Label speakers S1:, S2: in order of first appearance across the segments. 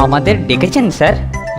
S1: আমাদের ডেকেছেন স্যার?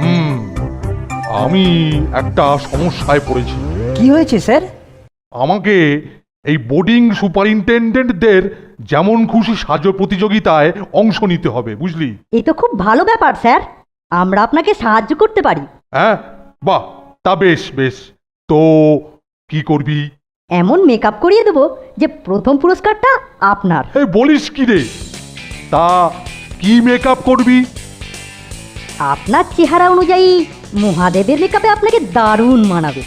S2: আমি একটা সমস্যায় পড়েছি।
S1: কি হয়েছে স্যার?
S2: আমাকে এই বোর্ডিং সুপারিনটেন্ডেন্টদের যেমন খুশি সাজো প্রতিযোগিতায় অংশ নিতে হবে, বুঝলি?
S3: এই তো খুব ভালো ব্যাপার স্যার, আমরা আপনাকে সাহায্য করতে পারি।
S2: হ্যাঁ, বাহ, তা বেশ বেশ। তো কি করবি?
S3: এমন মেকআপ করিয়ে দেবো যে প্রথম পুরস্কারটা আপনার।
S2: এই বলিস কি রে? তা কি মেকআপ করবি?
S3: আপনার চেহারা অনুযায়ী মহাদেবের মেকআপে আপনাকে দারুণ মানাবে।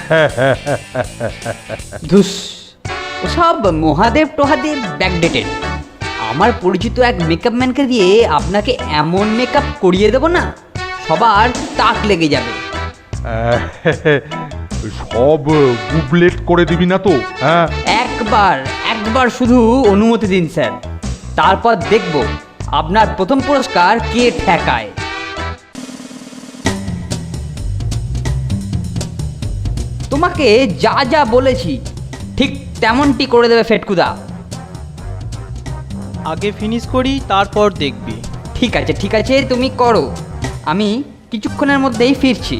S1: ধুস, ওসব মহাদেব টহাদেব ব্যাকডেটেড। আমার পরিচিত এক মেকআপ ম্যানকে দিয়ে আপনাকে এমন মেকআপ করিয়ে দেবো না, সবার তাক লেগে যাবে।
S2: সব গুবলেট করে দিবি না তো? হ্যাঁ,
S1: একবার শুধু অনুমতি দিন স্যার, তারপর দেখব আপনার প্রথম পুরস্কার কে ঠেকায়। তোমাকে যা যা বলেছি ঠিক তেমনটি করে দেবে ফেটকুদা।
S4: আগে ফিনিশ করি, তারপর দেখবি।
S1: ঠিক আছে, তুমি করো, আমি কিছুক্ষণের মধ্যেই ফিরছি।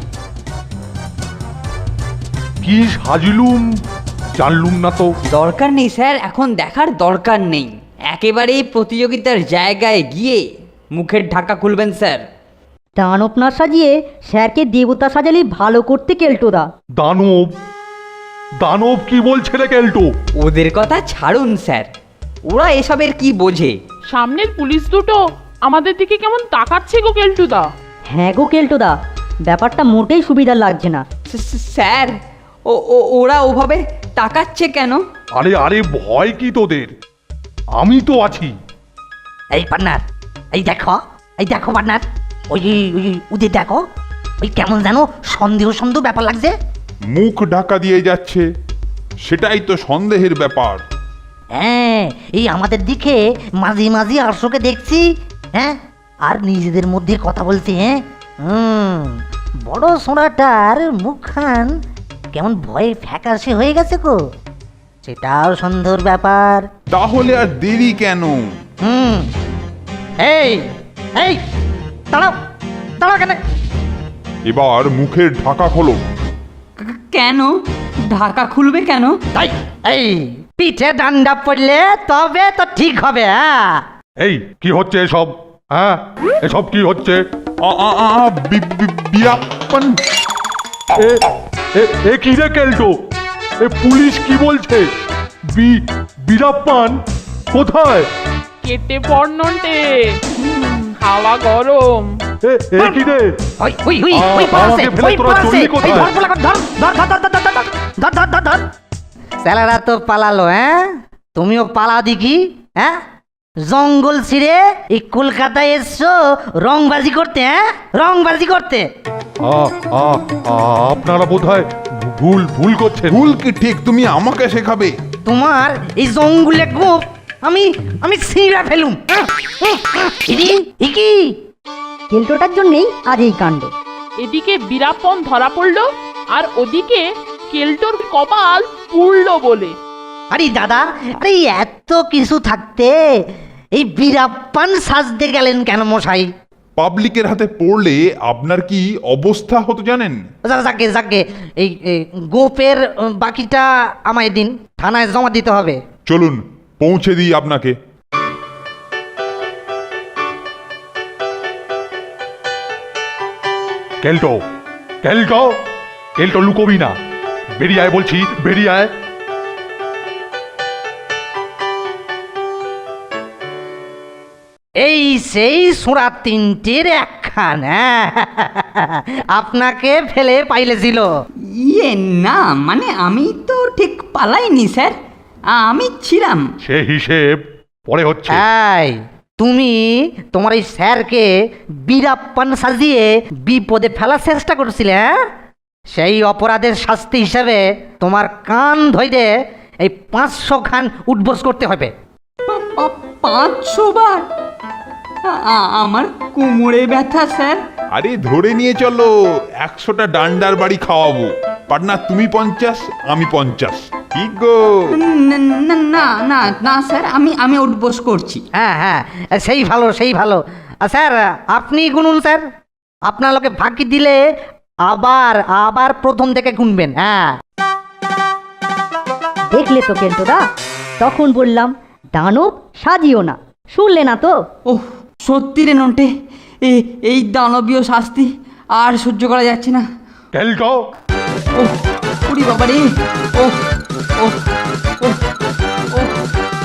S2: কি সাজিলুম জানলুম না তো।
S1: দরকার নেই স্যার, এখন দেখার দরকার নেই। একেবারেই প্রতিযোগিতার জায়গায় গিয়ে মুখের ঢাকা খুলবেন স্যার।
S3: দানব না সাজিয়ে স্যারকে দেবতা সাজালে ভালো করতে কেল্টোদা।
S2: দানব? দানব কি বলছে রে কেল্টো?
S1: ওদের কথা ছাড়ুন স্যার, ওরা এসবের কি বোঝে।
S5: সামনের পুলিশ দুটো আমাদের দিকে কেমন তাকাচ্ছে গো কেলটুদা।
S3: হ্যাঁ গো কেল্টোদা, ব্যাপারটা মোটেই সুবিধার লাগছে না।
S1: স্যার, ওরা ওভাবে তাকাচ্ছে কেন?
S2: আরে আরে, ভয় কি তোদের? আমি তো আছি।
S6: এই পার্টনার, এই দেখো পার্টনার, ওই ওদের দেখো, ওই কেমন যেন সন্দেহ ব্যাপার লাগছে।
S7: মুখ ঢাকা দিয়ে যাচ্ছে, সেটাই তো সন্দেহের ব্যাপার।
S6: হ্যাঁ, এই আমাদের দিকে মাঝে মাঝে আরশোকে দেখছি, হ্যাঁ, আর নিজেদের মধ্যে কথা বলছে। হ্যাঁ, বড় সোনাটার মুখখান কেমন ভয়ে ফ্যাকাশে হয়ে গেছে গো, সেটাও সন্দেহের ব্যাপার।
S7: তাহলে আর দেরি কেন?
S6: এই এই দাঁড়াও কেন?
S7: এবার মুখের ঢাকা খোলো।
S1: কেন ঢাকা খুলবে কেন?
S6: তাই এই পিঠে ডান্ডা পড়লে তবে তো ঠিক হবে। হ্যাঁ,
S2: এই কি হচ্ছে এসব? হ্যাঁ, এসব কি হচ্ছে?
S7: বিরাপ্পান,
S2: এ কি রে কেল্টো? এ পুলিশ কি বলছে? বীরাপ্পান কোথায়?
S5: কেটে পড় নন্টে, হাওয়া গরম।
S2: এ কি রে? আমাকে ফেলে তোরা চললি কোথায়?
S6: স্যালারা তো পালালো। হ্যাঁ, তুমিও পালা দেখি। হ্যাঁ, জঙ্গল ছিঁড়ে এই কলকাতায় এসছো রংবাজি করতে। হ্যাঁ, রংবাজি করতে।
S2: আপনারা বোধহয় ভুল করছেন।
S7: ভুল কি ঠিক তুমি আমাকে শেখাবে?
S6: তোমার এই জঙ্গলে গোপ আমি ছিঁড়া ফেলুম। কি
S3: কেল্টোটার জন্যেই আজ এই কাণ্ড।
S5: এদিকে বীরাপ্পন ধরা পড়লো, আর ওদিকে কেলটোর কপাল পুড়লো বলে।
S6: আরে দাদা, আরে এত কিছু থাকতে এই বীরাপ্পান সাজতে গেলেন কেন মশাই?
S7: পাবলিকের হাতে পড়লে আপনার কি অবস্থা হতো জানেন?
S6: যাকে এই গোপের বাকিটা আমায় দিন, থানায় জমা দিতে হবে।
S7: চলুন পৌঁছে দিই আপনাকে।
S2: কেল্টো কেল্টো কেল্টো, লুকোবি না, বেরিয়ে আয় বলছি, বেরিয়ে আয়।
S6: এই সেই সোঁড়া তিনটির একখান। হ্যাঁ, আপনাকে ফেলে পাইলেছিল।
S1: না, মানে আমি তো ঠিক পালাইনি স্যার, আমি ছিলাম।
S2: সে হিসেব পরে হচ্ছে।
S6: এই তুমি তোমার এই স্যারকে বীরাপ্পান সাজিয়ে বিপদে ফেলার চেষ্টা করছিলে। হ্যাঁ, সেই অপরাধের শাস্তি হিসেবে তোমার কান ধরে এই 500 খান উঠবোস করতে হবে।
S1: 500 বার? আমার কোমরে ব্যথা স্যার।
S7: আরে ধরে নিয়ে চলো, 100টা ডান্ডার বাড়ি খাওয়াবো। পার্টনার তুমি 50, আমি 50। ঠিক গো?
S1: না স্যার, আমি উঠবোস করছি।
S6: হ্যাঁ, সেই ভালো। স্যার আপনি গুনুন স্যার, আপনার লোকে ফাঁকি দিলে আবার আবার প্রথম থেকে গুনবেন। হ্যাঁ,
S3: দেখলে তো কেলটোদা, তখন বললাম দানব সাজিও না, শুনলে না তো?
S1: ওহ সত্যি রে নন্টে, এই দানবীয় শাস্তি আর সহ্য করা যাচ্ছে না।
S2: কেলটো,
S1: ওহ উড়ি বাবা রে, ওহ ওহ ওহ ওহ